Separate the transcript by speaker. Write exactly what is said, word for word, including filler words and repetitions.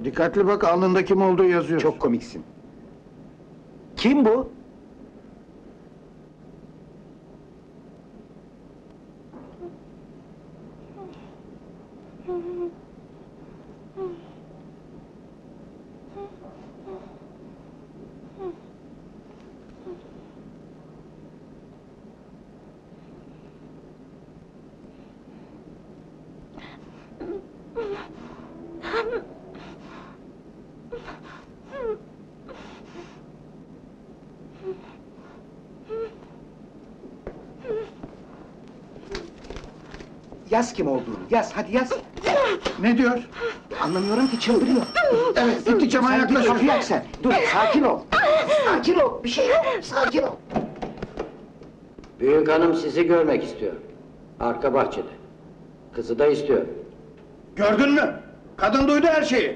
Speaker 1: Dikkatli bak, alnında kim olduğu yazıyor.
Speaker 2: Çok komiksin. Kim bu? Yaz kim olduğunu, yaz, hadi yaz!
Speaker 1: Ne diyor?
Speaker 2: Anlamıyorum ki, çıldırıyor!
Speaker 1: Evet, gittikçe
Speaker 2: Sen git
Speaker 1: manyaklaşıyor.
Speaker 2: kapıyı aç sen! Dur, sakin ol! Sakin ol, bir şey yok, sakin ol!
Speaker 3: Büyük hanım sizi görmek istiyor. Arka bahçede. Kızı da istiyor.
Speaker 1: Gördün mü? Kadın duydu her şeyi.